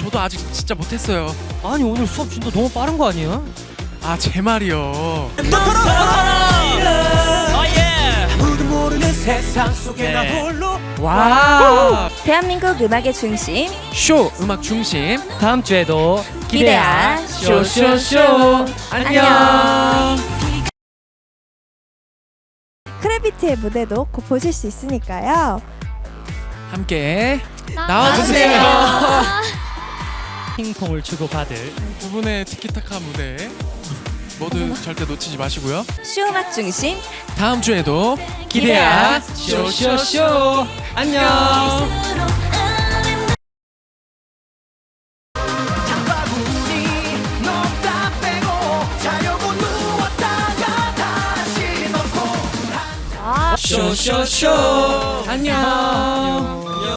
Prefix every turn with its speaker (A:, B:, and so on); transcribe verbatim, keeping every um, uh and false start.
A: 저도 아직 진짜 못했어요.
B: 아니 오늘 수업 진도 너무 빠른 거 아니에요?
A: 아 제 말이요. 네. 와.
C: 대한민국 음악의 중심
A: 쇼 음악 중심.
B: 다음 주에도
C: 기대야
B: 쇼쇼쇼
C: 안녕.
D: 크래비티의 무대도 곧 보실 수 있으니까요.
A: 함께
C: 나와주세요.
A: 나와주세요.
B: 핑퐁을 주고 받을
A: 두 분의 티키타카 무대 모두 절대 놓치지 마시고요.
C: 쇼 음악 중심
A: 다음 주에도
C: 기대야
A: 기대야
B: 쇼쇼쇼 안녕. 쇼쇼쇼 안녕.